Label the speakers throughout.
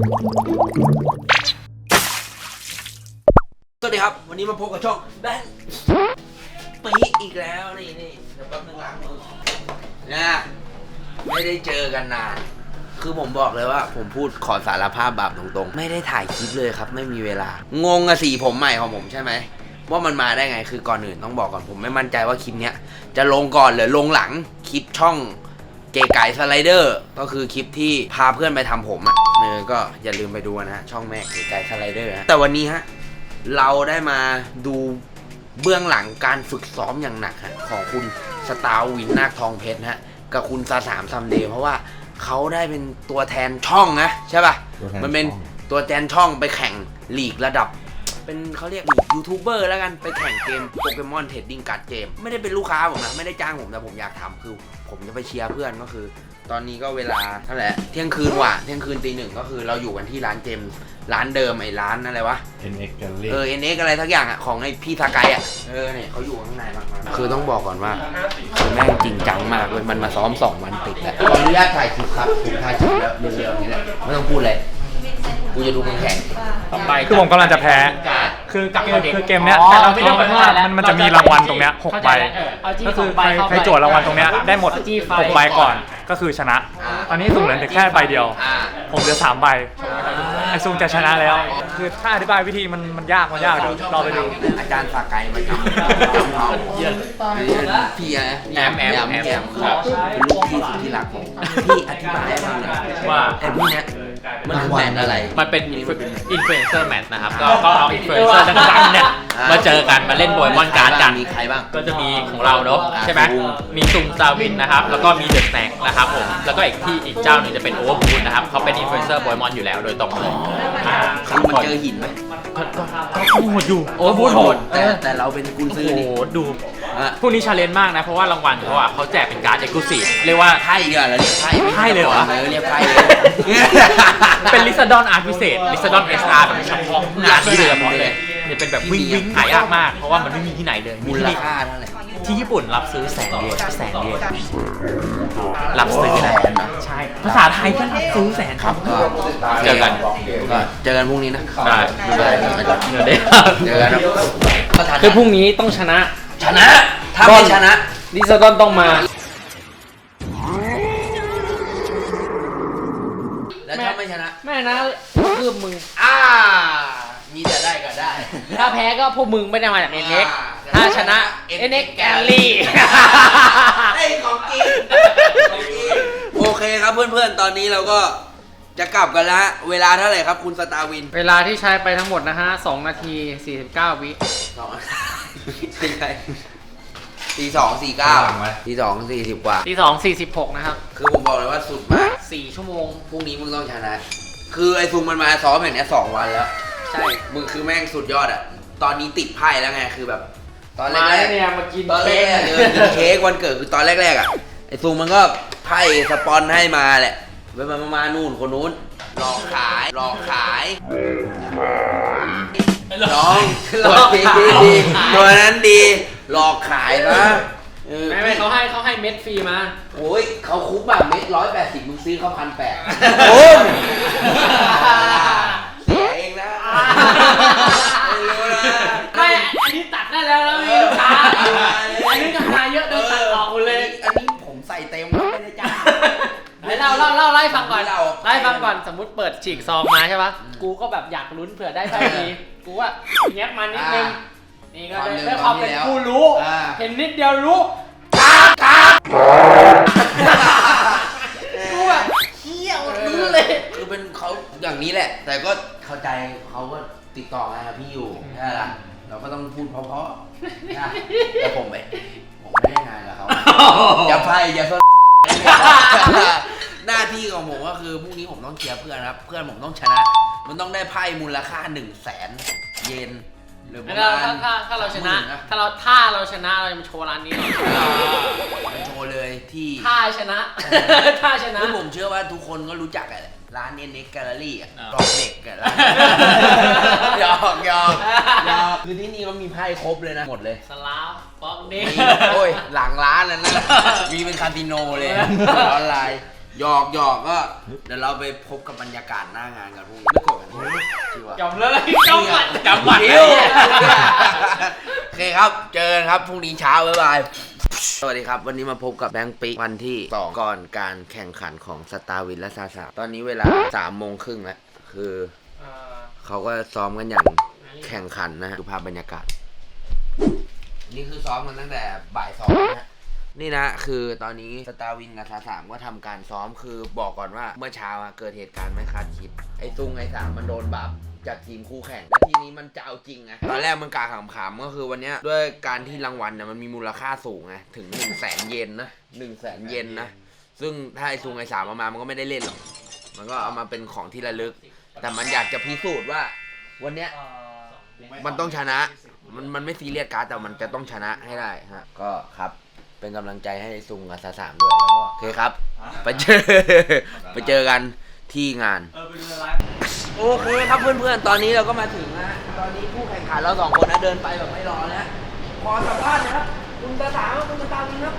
Speaker 1: สวัสดีครับวันนี้มาพบกับช่องแบงค์ปีอีกแล้วนี่เดี๋ยวแป๊บนึงล้างมือนะไม่ได้เจอกันนานคือผมบอกเลยว่าผมพูดขอสารภาพบาปตรงๆไม่ได้ถ่ายคลิปเลยครับไม่มีเวลางงกับสีผมใหม่ของผมใช่ไหมว่ามันมาได้ไงคือก่อนอื่นต้องบอกก่อนผมไม่มั่นใจว่าคลิปเนี้ยจะลงก่อนหรือลงหลังคลิปช่องเก๋ไก่สไลเดอร์ก็คือคลิปที่พาเพื่อนไปทำผมอ่ะก็อย่าลืมไปดูนะฮะช่องแม่เก๋ไก่สไลเดอร์แต่วันนี้ฮะเราได้มาดูเบื้องหลังการฝึกซ้อมอย่างหนักฮะของคุณสตาร์วินนาคทองเพชรฮะกับคุณซาสามซัมเดย์เพราะว่าเขาได้เป็นตัวแทนช่องนะใช่ป่ะมันเป็นตัวแทนช่องไปแข่งลีกระดับเป็นเขาเรียกยูทูบเบอร์แล้วกันไปแข่งเกมโปเกมอนเทรดดิ้งการ์ดเกมไม่ได้เป็นลูกค้าผมนะไม่ได้จ้างผมแต่ผมอยากทำคือผมจะไปเชียร์เพื่อนก็คือตอนนี้ก็เวลาเท่าไหร่เที่ยงคืนว่ะเที่ยงคืนตีหนึ่งก็คือเราอยู่กันที่ร้านเกมร้านเดิมไอ้ร้านอะไรวะ
Speaker 2: NX Gallery
Speaker 1: NX อะไรทักอย่างอ่ะของไอ้พี่ทากายอ่ะเนี่ยเขาอยู่ข้างในมากคือต้องบอกก่อนว่าคือแม่งจริงจังมากเลยมันมาซ้อม2 วันติดแล้วขออนุญาตถ่ายคลิปครับผมถ่ายคลิปแล้วเร็วๆนี้แหละไม่ต้องพูดเลยกูจะดูมึงแข่ง
Speaker 3: ต่อไปคือผมกำลังจะแพ้คือเกมเนี้ยแต่เราไม่ต้องว่ามันจะมีรางวัลตรงเนี้ย6 ใบก็คือใครโจทย์รางวัลตรงเนี้ยได้หมด6 ใบก่อนก็คือชนะตอนนี้สุ่มเหลือแค่ใบเดียวผมเหลือ3 ใบไอซูมจะชนะแล้วคือถ้าอธิบายวิธีมันยากเดี๋ยวรอไปดู
Speaker 1: อาจารย์ฝากไกลมาจับพี่แอมเป็นลูกพี่สุดที่รักผมพี่อธิบายให้ฟังหน่อยว่าไอ้พวกเนี้ยมันคือแมตช์อะไร
Speaker 4: มันเป็นอินฟลูเอนเซอร์แมตช์นะครับก็เอาอินฟลูเอนเซอร์ดังๆเนี่ยมาเจอกันมาเล่นโปเกมอนการ์ดกัน
Speaker 1: มีใครบ้าง
Speaker 4: ก็จะมีของเราเนาะใช่ไหมมีซุงซาวินนะครับแล้วก็มีเดอะสแน็คนะครับผมแล้วก็อีกเจ้าหนึ่งจะเป็นโอเวอร์บูนนะครับเขาเป็นอินฟลูเอนเซอร์โปเกมอนอยู่แล้วโดยตรงเลย
Speaker 1: คือมันเจอหินไหม
Speaker 4: ก็โหดอยู่โอเวอร์บูนโหด
Speaker 1: แต่เราเป็นกุญซือนี่
Speaker 4: ดูพวกนี้ชาเลนจ์มากนะเพราะว่ารางวัลเขาแจกเป็นการ์ดเอ็กซ์คลูซีฟเรียกว่า
Speaker 1: ไพ่เดียวเราเรียกไพ่
Speaker 4: เลยเหรอ
Speaker 1: เรียกไพ่
Speaker 4: เป็นลิซาดอนอาร์ตพิเศษลิซาดอน SR แบบเฉพาะงานที่โดยเฉพาะเลยเนี่ยเป็นแบบวิ่งหายากมากเพราะว่ามันไม่มีที่ไหนเลย
Speaker 1: มูลค่าเท่าไหร่
Speaker 4: ที่ญี่ปุ่นรับซื้อ100,000 เยนรับซื้อใช่ภาษาไทยก็รับซื้อ100,000
Speaker 1: ครับก็เจอกันพรุ่งนี้นะ
Speaker 4: ได้เจอกัน
Speaker 3: คือพรุ่งนี้ต้องชนะ
Speaker 1: ถ้าไม่ชนะ
Speaker 3: ลิซาดอนต้องมา
Speaker 1: แล้วถ้าไม่ชนะ
Speaker 3: แม่นะคือมึง
Speaker 1: มีแต่ได้ก็ได้
Speaker 3: ถ้าแพ้ก็พวกมึงไม่ได้มาจาก NX ถ้าชนะ NX Gallery
Speaker 1: ไอ้ของจริงโอเคครับเพื่อนๆตอนนี้เราก็จะกลับกันแล้วเวลาเท่าไหร่ครับคุณสตาร์วิน
Speaker 3: เวลาที่ใช้ไปทั้งหมดนะฮะ2 นาที 49 วิ
Speaker 1: ตี2 40 กว่า
Speaker 3: ตี2 46นะครับ
Speaker 1: คือผมบอกเลยว่าสุดมาก
Speaker 3: 4 ชั่วโมง
Speaker 1: พรุ่งนี้มึงต้องชนะคือไอ้ซุงมันมาซ้อมแบบนี้2 วันแล้ว
Speaker 3: ใช่
Speaker 1: มึงคือแม่งสุดยอดอ่ะตอนนี้ติดไพ่แล้วไงคือแบบตอนแรก
Speaker 3: เนี่ยมากิน
Speaker 1: ตอนแรกกินเค้กวันเกิดคือตอนแรกอ่ะไอ้ซุงมันก็ไพ่สปอนให้มาแหละไปมานู่นคนนู้นหลอกขายน้องตัวนั้นดีหลอกขายนะ
Speaker 3: ไม่เขาให้เม็ดฟรีมา
Speaker 1: โอ้ยเขาคุ้มแบบเม็ด180มึงซื้อเขา1,800โอ้ยเสียเองนะไม่รู้นะ
Speaker 3: ไม่อันนี้ตัดได้แล้วมีลูกค้าอันนี้ราคาเยอะโดนตัดออกหมดเลย
Speaker 1: อันนี้ผมใส่เต็มไม่ได้จ้าง
Speaker 3: ไล่ฟังก่อนสมมติเปิดฉีกซองมาใช่ปะกูก็แบบอยากลุ้นเผื่อได้ไพ่ดีกูว่าแงบมันนิดนึงนี่ก็ได้ความเป็นผู้รู้เห็นนิดเดียวรู้กูแบบเฮี้ยรู้เลย
Speaker 1: คือเป็นเขาอย่างนี้แหละแต่ก็เข้าใจเขาก็ติดต่อมาพี่อยู่ใช่ล่ะเราก็ต้องพูดเพราะๆนะแต่ผมไม่ได้งานกับเขาอย่าไพ่อย่าหน้าที่ของผมก็คือพรุ่งนี้ผมต้องเชียร์เพื่อนครับเพื่อนผมต้องชนะมันต้องได้ไพ่มูลค่า100,000 เยนหรือประมาณ
Speaker 3: ถ้าเราชนะถ้าเราชนะเราจะมาโชว์ร้านนี้หน่อย
Speaker 1: โชว์เลยที่
Speaker 3: ถ้าชนะ
Speaker 1: คือผมเชื่อว่าทุกคนก็รู้จักแหละร้าน NX Gallery อ่ะกรอบเด็กกันหยอกคือที่นี่ก็มีไพ่ครบเลยนะหมดเลย
Speaker 3: สลาฟบ็อกเด็ก
Speaker 1: โอ้ยหลังร้านนั่นนะมีเป็นคาสิโนเลยออนไลน์หยอกก็เดี๋ยวเราไปพบกับบรรยากาศหน้างานกันพรุ่งนี้ไม่โกรธกันชิวะ
Speaker 4: จำเลยจำหมัด
Speaker 1: ชิวโอเคครับเจอกันครับพรุ่งนี้เช้าบ๊ายบายสวัสดีครับวันนี้มาพบกับแบงค์ปีวันที่2ก่อนการแข่งขันของสตาร์วินและซาซาตอนนี้เวลา3:30แล้วคือเขาก็ซ้อมกันอย่างแข่งขันนะฮะดูภาพบรรยากาศนี่คือซ้อมกันตั้งแต่บ่าย2นะนี่นะคือตอนนี้สตาร์วินกับซาสามก็ทำการซ้อมคือบอกก่อนว่าเมื่อเช้าเกิดเหตุการณ์ไม่คาดคิดไอ้ซุงไอ้สามมันโดนบัฟจากทีมคู่แข่งและทีนี้มันจะเอาจริงไงตอนแรกมันกาขำๆก็คือวันนี้ด้วยการที่รางวัลเนี่ยมันมีมูลค่าสูงไงถึง 100,000 เยนนะ 100,000 เยนนะซึ่งถ้าไอ้ซุงไอ้สามเอามามันก็ไม่ได้เล่นหรอกมันก็เอามาเป็นของที่ระลึกแต่มันอยากจะพิสูจน์ว่าวันเนี้ยมันต้องชนะมันไม่ซีเรียสการ์ดแต่มันจะต้องชนะให้ได้ฮะก็ครับเป็นกำลังใจให้ซุงกับซาสามด้วยแล้วก็โอเคครับไปเจอกันที่งานโอเคครับเพื่อนๆตอนนี้เราก็มาถึงนะตอนนี้ผู้แข่งขันเรา2คนนะเดินไปแบบไม่รอนะขอสัมภาษณ์นะครับคุณซาสามคุณซาวินครับ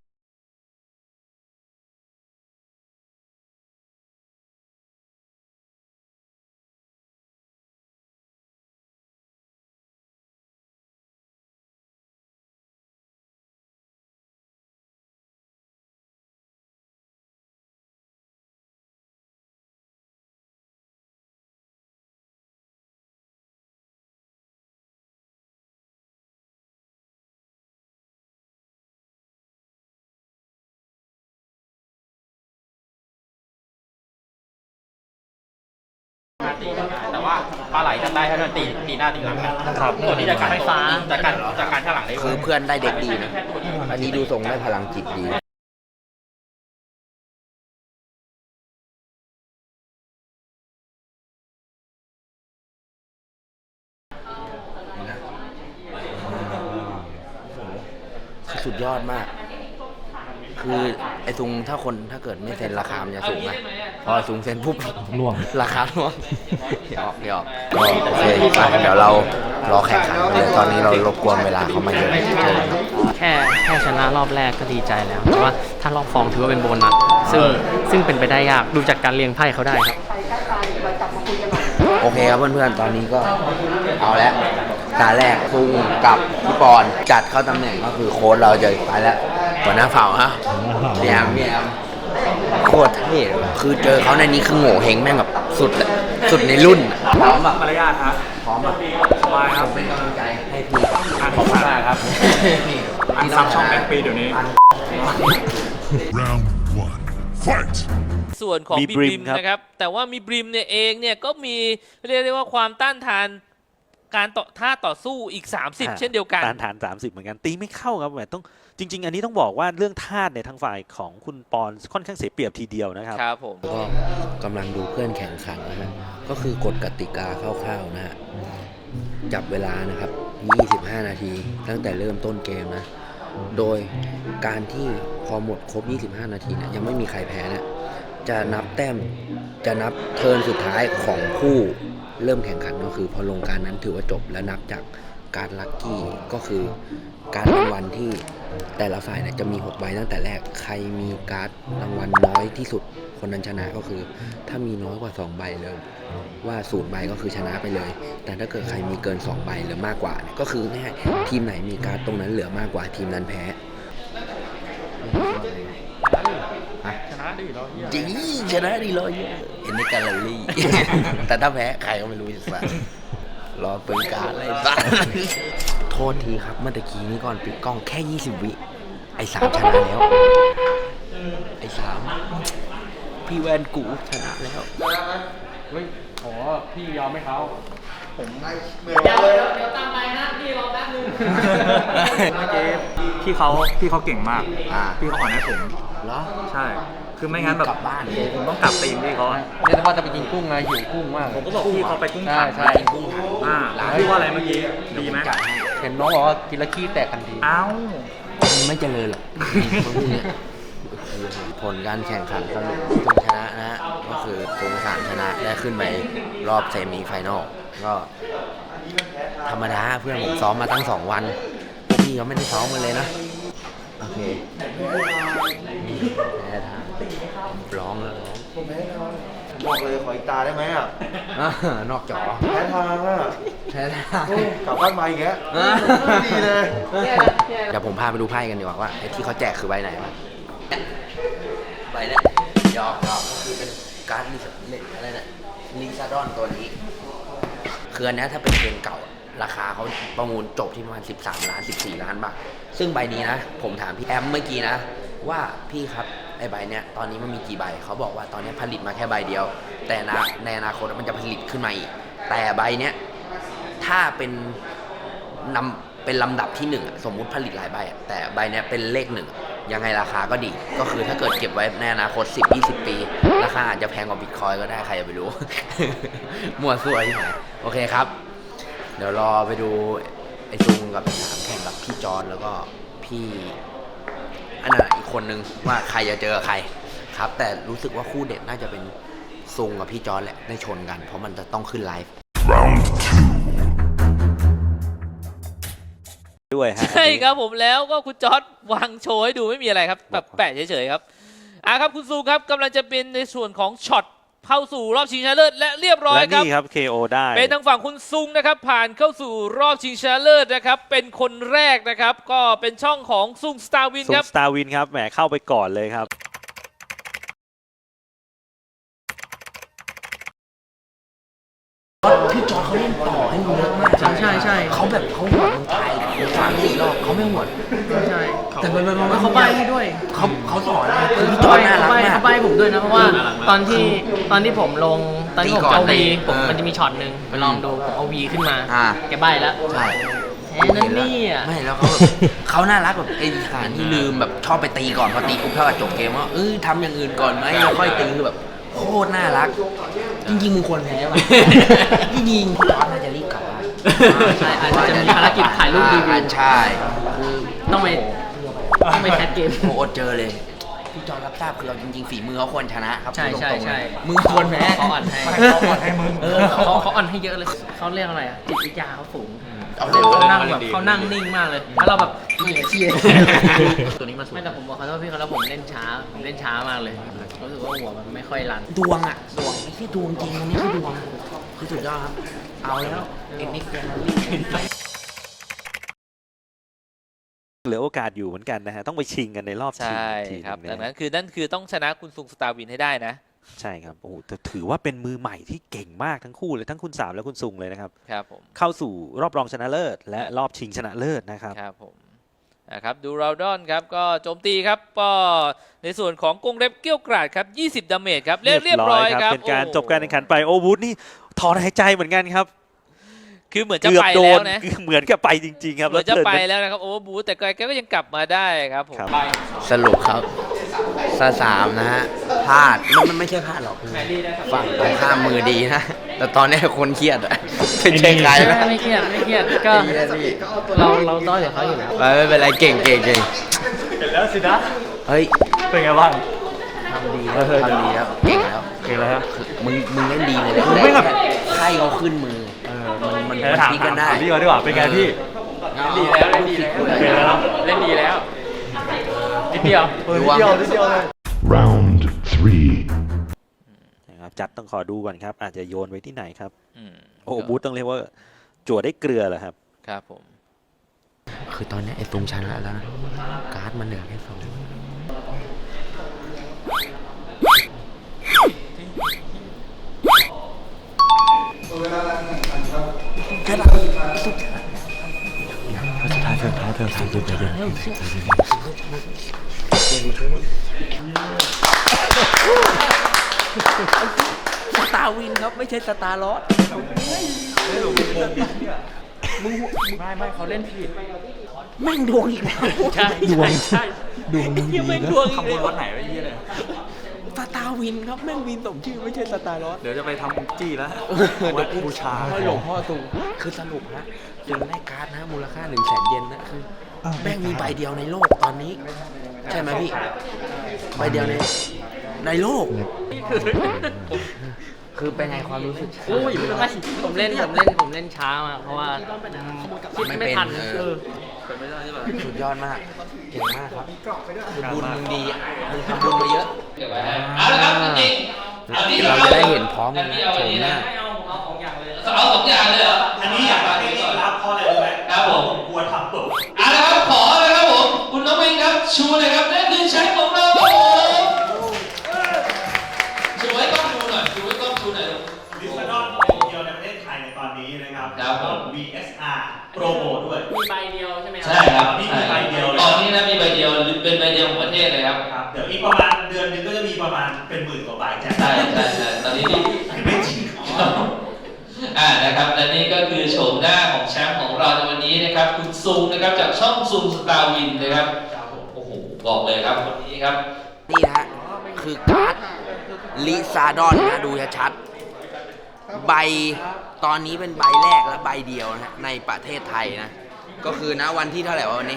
Speaker 4: แต่ว่าปลาไหลทำได้แค่นั้นตีหน้าตีหลังนะครับตัวนี้จะการไฟฟ้าจากการข้างหลังได้
Speaker 1: คือเพื่อนได้เด็กดีนะอันนี้ดูทรงได้พลังจิตดีสุดยอดมากคือไอ้ซุงถ้าเกิดไม่เซ็นราคามันจะสูงนะพอซุงเซ็นปุ๊บล่วงราคาล่วงหยอกก็โอเคไปเดี๋ยวเรารอแข่งขันเลยตอนนี้เรารบกวนเวลาเขามาเยอะ
Speaker 2: แค่ชนะรอบแรกก็ดีใจแล้วแต่ว่าถ้ารอบฟองถือว่าเป็นโบนัสซึ่งเป็นไปได้ยากดูจากการเรียงไพ่เขาได้ครับ
Speaker 1: โอเคครับเพื่อนๆตอนนี้ก็เอาแล้วตาแรกซุงกับพี่ปอนจัดเข้าตำแหน่งก็คือโค้ชเราจะไปแล้วหัวหน้าเผ่าฮะเมียมโคตรเท่คือเจอเขาในนี้คือโง่เฮงแม่งแบบสุดในรุ่นพร้อมแบบ
Speaker 3: มารยาทฮะ
Speaker 1: พร้อมแบบ
Speaker 3: สบายครับ
Speaker 1: เป็นกำลังใจให้พี่
Speaker 3: ขอบคุณมากครับอันซับช่องแบงค์ปีเดี๋ยวนี้
Speaker 5: Round 1 Fight
Speaker 6: ส่วนของบีบริมนะครับแต่ว่ามีบริมเนี่ยเองเนี่ยก็มีเรียกได้ว่าความต้านทานการท่าต่อสู้อีก30เช่นเดียวกัน
Speaker 7: ต้านทาน30เหมือนกันตีไม่เข้าครับแบบต้องจริงๆอันนี้ต้องบอกว่าเรื่องธาตุในทางฝ่ายของคุณปอนค่อนข้างเสียเปรียบทีเดียวนะครับ
Speaker 6: ครับผม
Speaker 1: ก็กำลังดูเพื่อนแข่งขันนะฮะก็คือกฎกติกาคร่าวๆนะฮะจับเวลานะครับ25นาทีตั้งแต่เริ่มต้นเกมนะโดยการที่พอหมดครบ25นาทีเนี่ยยังไม่มีใครแพ้นะจะนับแต้มจะนับเทิร์นสุดท้ายของผู้เริ่มแข่งขันก็คือพอลงการนั้นถือว่าจบและนับจากการลัคกี้ก็คือการรางวัลที่แต่ละฝ่ายเนี่ยจะมี6ใบตั้งแต่แรกใครมีการ์ดรางวัลน้อยที่สุดคนนั้นชนะก็คือถ้ามีน้อยกว่า2ใบเลยว่า0ใบก็คือชนะไปเลยแต่ถ้าเกิดใครมีเกิน2ใบหรือมากกว่าก็คือแน่ทีมไหนมีการ์ดตรงนั้นเหลือมากกว่าทีมนั้นแพ้ชนะดีเราจริงชนะดีเราเห็นในแกลเลอรี่ แต่ถ้าแพ้ใครก็ไม่รู้จะสั่งรอเป็นการอะไรบ้างโทษทีครับเมื่อตะกี้นี้ก่อนปิดกล้องแค่20วิไอ้3ชนะแล้วไอ้3พี่แวนกูชนะแล้ว
Speaker 3: เฮ้ยโหพี่ยอมไหมเขาผม
Speaker 2: เดี๋ยวตามไปนะพี่รอแป๊บนึง
Speaker 3: เมื่อกี้พี่เขาเก่งมากพี่เขาอ่อนให้ผม
Speaker 1: เหรอ
Speaker 3: ใช่คือไม่งั้นแบบ
Speaker 1: กลับบ้านเลย
Speaker 3: ผมต้องกลับตีมพี่เขา
Speaker 2: เนี่ยแต่ว่าจะไปกินกุ้งไงหิวกุ้งมาก
Speaker 3: ผมก็บอกพี่เขาไปกุ้งถัง
Speaker 2: ใช่
Speaker 3: กินกุ้งถังพี่ว่าอะไรเมื่อกี้ดีไหม
Speaker 2: เห็นน้องบอกว่ากินแล้วขี้แตกกันดี
Speaker 3: อ้าว
Speaker 1: ไม่เจริญหรอกผลการแข่งขันสรุปซุงชนะนะฮะก็คือซุง3ชนะได้ขึ้นไปรอบเซมิไฟนอลก็ธรรมดาเพื่อนผมซ้อมมาตั้ง2วันพี่เขาไม่ได้ซ้อมกันเลยนะโอเคแพ้ทางร้องแล้วร้อง
Speaker 8: ผมแพ้ทางบอกเลยขออีกตาได้ไหมอ่ะ
Speaker 1: นอกจอ
Speaker 8: แพ้ทางอ่ะ
Speaker 1: แท้ๆ
Speaker 8: โอ้กลับบ้านมาอีกแล้วดีเลย
Speaker 1: เดี๋ยวผมพาไปดูไพ่กันดีกว่าว่าไอ้ที่เขาแจกคือใบไหนวะใบเนี้ยยอกคือเป็นการ์ดอะไรเนี่ยลิซาดอนตัวนี้ คืออันเนี้ยถ้าเป็นเกมเก่าราคาเขาประมูลจบที่ประมาณ13 ล้าน 14 ล้านบาทซึ่งใบนี้นะ ผมถามพี่แอมเมื่อกี้นะ ว่าพี่ครับไอ้ใบเนี้ยตอนนี้มันมีกี่ใบเขาบอกว่าตอนนี้ผลิตมาแค่ใบเดียว แต่ในอนาคตมันจะผลิตขึ้นมาอีกแต่ใบเนี้ยถ้าเป็นเป็นลำดับที่1อะสมมุติผลิตหลายใบอะแต่ใบเนี้ยเป็นเลข1ยังไงราคาก็ดี ก็คือถ้าเกิดเก็บไว้ในอนาคต 10-20 ปีราคาอาจจะแพงกว่าบิตคอยก็ได้ใครจะไปรู้ มั่วซั่วที่ไหนโอเคครับ เดี๋ยวรอไปดูไอ้ซุงกับสามแข่งกับพี่จอนแล้วก็พี่อันนั้นอีกคนนึงว่าใครจะเจอใครครับ แต่รู้สึกว่าคู่เด็ดน่าจะเป็นซุงกับพี่จอนแหละได้ชนกัน เพราะมันจะต้องขึ้นไลฟ์
Speaker 5: Round
Speaker 7: ด้วยฮะ
Speaker 6: ใช่ครับผมแล้วก็คุณจอร์ดวางโชว์ให้ดูไม่มีอะไรครับแบบแปะเฉยๆครับครับคุณซูครับกำลังจะเป็นในส่วนของช็อตเข้าสู่รอบชิงชนะเลิศและเรียบร้อย
Speaker 7: และ
Speaker 6: ครับ
Speaker 7: นี่ครับ KO ได้
Speaker 6: เป็นทางฝั่งคุณซุงนะครับผ่านเข้าสู่รอบชิงชนะเลิศนะครับเป็นคนแรกนะครับก็เป็นช่องของซุงสตาร์วิน
Speaker 7: ซุ
Speaker 6: ค
Speaker 7: ง
Speaker 6: รับ
Speaker 7: สตาร์วินครับแหมเข้าไปก่อนเลยครับ
Speaker 1: พี่จอนเขาเล่นต่อให้มึงเยอะมาก
Speaker 2: ใช่
Speaker 1: เขาแบบเขาหวดมึงตาย3-4 รอบเขาไม่หวด
Speaker 2: ใช่
Speaker 1: แต่มัน
Speaker 2: เขาใบให้ด้วย
Speaker 1: เขาสอนนะคือพี่จอนน่ารักมาก
Speaker 2: เขาใบผมด้วยนะเพราะว่าตอนที่ผมลงตอนที่ผม
Speaker 1: ตีก่อน
Speaker 2: เอาวี
Speaker 1: เออ
Speaker 2: มันจะมีช็อตหนึ่งไปลองดูผมเอาวีขึ้นมา
Speaker 1: อ่า
Speaker 2: แกใบแล้ว
Speaker 1: ใช่
Speaker 2: แค่นั้นนี่อ่ะ
Speaker 1: ไม่แล้วเขาแบบเขาน่ารักแบบไอ้ฐานที่ลืมแบบชอบไปตีก่อนพอตีปุ๊บเท่ากับจบเกมว่าทำอย่างอื่นก่อนไหมแล้วค่อยตีคือแบบโคตรน่ารัก จริงๆมึงควรแพ้ว่ะจริงๆพี่จอนน่าจะรีบกลับบ้าน
Speaker 2: ใช่อาจจะมีภารกิจถ่ายรูปรีวิว
Speaker 1: ใช่คือ
Speaker 2: ต้องไปแคสเกม
Speaker 1: โอ้อดเจอเลย พี่จอนรับทราบคือเราจริงๆฝีมือเขาควรชนะครับ
Speaker 2: ใช่
Speaker 1: พูดตรงๆ
Speaker 2: ใช่
Speaker 1: เลยมึงควรแพ้
Speaker 2: เขาอ่อนให้
Speaker 3: เขาอ่อนให้มึง
Speaker 2: เขาอ่อนให้เยอะเลยเขาเรียกอะไรอ่ะจิตวิทยาเขาสูง
Speaker 1: เอาเร็ว
Speaker 2: เขานั่งแบบเขานั่งนิ่งมากเลยแล้วเราแบบไม่เหลือเชื่อ
Speaker 4: ตัวนี้มาสุด
Speaker 2: ไม่แต่ผมบอกเขาว่าพี่เขาแล้วผมเล่นช้ามากเลยรู้สึกว่าหัวมันไม่ค่อยรัน
Speaker 1: ดวงอ่ะดวงไอ้ที่ดวงจริงวันนี้คือดวงคือสุดยอดครับเอาแล้วเอ็นนิกเกน
Speaker 7: เหลือโอกาสอยู่เหมือนกันนะฮะต้องไปชิงกันในรอบชิง
Speaker 6: ใช่
Speaker 7: อีกทีห
Speaker 6: ครับ
Speaker 7: นึ่ง
Speaker 6: ดัง
Speaker 7: นะ
Speaker 6: นั้นคือนั่นคือต้องชนะคุณซุงสตาร์วินให้ได้นะ
Speaker 7: ใช่ครับโอ้โหแต่ถือว่าเป็นมือใหม่ที่เก่งมากทั้งคู่เลยทั้งคุณสามและคุณซุงเลยนะครับ
Speaker 6: ครับผม
Speaker 7: เข้าสู่รอบรองชนะเลิศและรอบชิงชนะเลิศนะครับ
Speaker 6: ครับผมนะครับดูราดอนครับก็โจมตีครับก็ในส่วนของกรงเล็บเกี้ยวกราดครับ20 ดาเมจครับเรียบร้อยครับ
Speaker 7: เป็นการ
Speaker 6: โอ้
Speaker 7: จบการแข่งขันไปโอวูดนี่ถอนหายใจเหมือนกันครับ
Speaker 6: คือเหมือนจะ
Speaker 7: เกือบ
Speaker 6: ไป
Speaker 7: โด
Speaker 6: แล้ว
Speaker 7: น
Speaker 6: นะ
Speaker 7: เหมือนกับไปจริง ๆ ครับ
Speaker 6: เหมือนจะ
Speaker 7: เทิร์น
Speaker 6: ไปแล้วนะครับโอเวอร์บูทแต่แกก็ยังกลับมาได้ครับผม
Speaker 7: ครับ
Speaker 1: สรุปครับสามนะฮะพลาดมันไม่ใช่พลาดหรอกคือฝั่งตรงข้ามมือดีนะ แต่ตอนนี้คนเครียดอะเป็นใช่ใครนะ
Speaker 2: ไม่เครียดก็เราด้อยกว่าเขาอยู่แล้ว
Speaker 1: ไม่เป็นไรเก่ง
Speaker 3: เห็นแล้วสินะ
Speaker 1: เฮ้ย
Speaker 3: เป็นไงบ้าง
Speaker 1: ทำดีแล้วเก่งแล้ว
Speaker 3: เก่งแล้วฮะ
Speaker 1: มึงเล่นดีเลยนะ
Speaker 3: ไม่แบบ
Speaker 1: ไพ่เขาขึ้นมือมัน
Speaker 3: ถาม
Speaker 1: พลิกกันได้
Speaker 3: พี่ก่อนดีกว่าเป็นไงพี่
Speaker 6: ดีแล้วเล่นดีแล้ว
Speaker 3: เก่งแล้วนะ
Speaker 6: เล่นดีแล้วนิดเดียว
Speaker 3: นิดเดียวเลย
Speaker 5: Round 3.
Speaker 7: นะครับจัดต้องขอดูก่อนครับ อาจจะโยนไว้ที่ไหนครับ
Speaker 6: อืม
Speaker 7: โอ้บูธต้องเรียกว่าจั่วได้เกลือเหรอครับ
Speaker 6: ครับผม
Speaker 1: คือตอนนี้ไอ้ตุงชนะแล้วนะการ์ดมันเหลือแค่2สตาร์วินครับไม่ใช่สตาร์ลอส
Speaker 3: ไม่เขาเล่นผิด
Speaker 1: แม่งดวงอีกแล้ว
Speaker 6: ใช่ดวงใช่ดวงยังไม่ดวงอีก
Speaker 3: ขโม
Speaker 6: เลย ย
Speaker 3: วัดไหนไว้ยี่เลย
Speaker 1: สตาร์วินครับแม่งวินสมชื่อไม่ใช่สตาร์ลอส
Speaker 3: เดี๋ยวจะไปทำจี้แล้ว
Speaker 1: เดี๋ยว
Speaker 3: บูชา
Speaker 1: ให้หลวงพ่อตูคือสรุปฮะยังได้การ์ดนะมูลค่า100,000 เยนนะคือแม่งมีใบเดียวในโลกตอนนี้ ใช่ไหมพี่ใบเดียวในโลก คือเป็นไงความรู้สึก
Speaker 2: ผมเล่นช้ามากเพราะว่าคิดไม่ทัน
Speaker 1: สุดยอดมากเก่งมากครับคือบุญมึงดีอะมึงทำบุญมาเยอะ
Speaker 6: ก็บไว้ให้เอาละครับจริงๆอันนี้
Speaker 1: เราจะได้เห็นพร้อมกันนะ
Speaker 6: เอา
Speaker 1: โฉ
Speaker 6: อัน
Speaker 1: ม
Speaker 6: นี้
Speaker 1: หน้า
Speaker 2: เอาของอย่างเลย
Speaker 6: เอาสองอย่างเลยเหรออันนี้อยากให้รีบรับเพราะอะไรรู้ไหมครับผมกลัวทำตกเอาละครับขอเลยครับผมคุณน้องเองครับชูเลยครับนั่นคือแชมป์ของเราครับผมชูให้กล้องดูหน่อยชูให้กล้องดูหน่อย
Speaker 9: ลิซานอนเป็นเดียวในประเทศไทยในตอนนี้นะครับ
Speaker 6: ครับผม
Speaker 9: VSR โปรโมด้วย
Speaker 2: มีใบเดียวใช่ไหมครั
Speaker 6: ใช่ครับ
Speaker 9: นี่มีใบเดียวเลย
Speaker 6: ตอนนี้นะมีใบเดียวหรือเป็นใบเดียวของประเทศเลยครับ
Speaker 9: ครับเดี๋ยวอีกประมาณเดือนหนึงก็จะมีประมาณเป็นหมื่นกว่าใบแจก
Speaker 6: ใช่ตอนนี้ที่
Speaker 9: ไม่จริง
Speaker 6: นะครับและนี่ก็คือโฉมหน้าของแชมป์ของเราในวันนี้นะครับคุณซุงนะครับจากช่องซุงสตาร์วินนะครับโอ้โหบอกเลยครับวันนี้ครับ
Speaker 1: นี่นะฮะคือการ์ดลิซาดอนนะดูชัดๆใบตอนนี้เป็นใบแรกและใบเดียวนะฮะในประเทศไทยนะก็คือนะวันที่เท่าไหร่วะวันนี้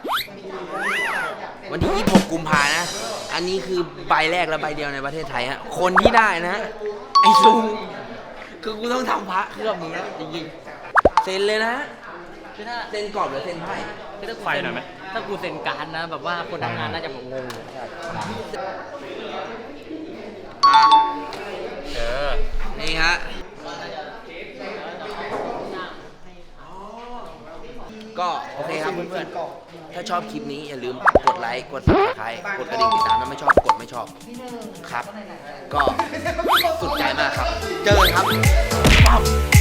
Speaker 1: วันที่ 26 กุมภานะอันนี้คือใบแรกและใบเดียวในประเทศไทยฮะคนที่ได้นะฮะไอ้ซุงคือกูต้องทำพระเครื่องมึงนะจริงๆเซ็นเลยนะ
Speaker 2: คือถ้า
Speaker 1: เซ็นกรอบหรือเซ็นไพ่
Speaker 2: คือถ้ากู
Speaker 3: ไฟ
Speaker 2: เซ็น
Speaker 3: หน่อยไหม
Speaker 2: ถ้ากูเซ็นการ์ดนะแบบว่าคนทำงานน่าจะแบบงง
Speaker 1: อ่ะนี่ฮะก็โอเคครับเพื่อนๆถ้าชอบคลิปนี้อย่าลืมกดไลค์กด subscribe กดกระดิ่งติดตามถ้าไม่ชอบกดไม่ชอบครับ ก็สุดใจมากครับ เจอกันครับ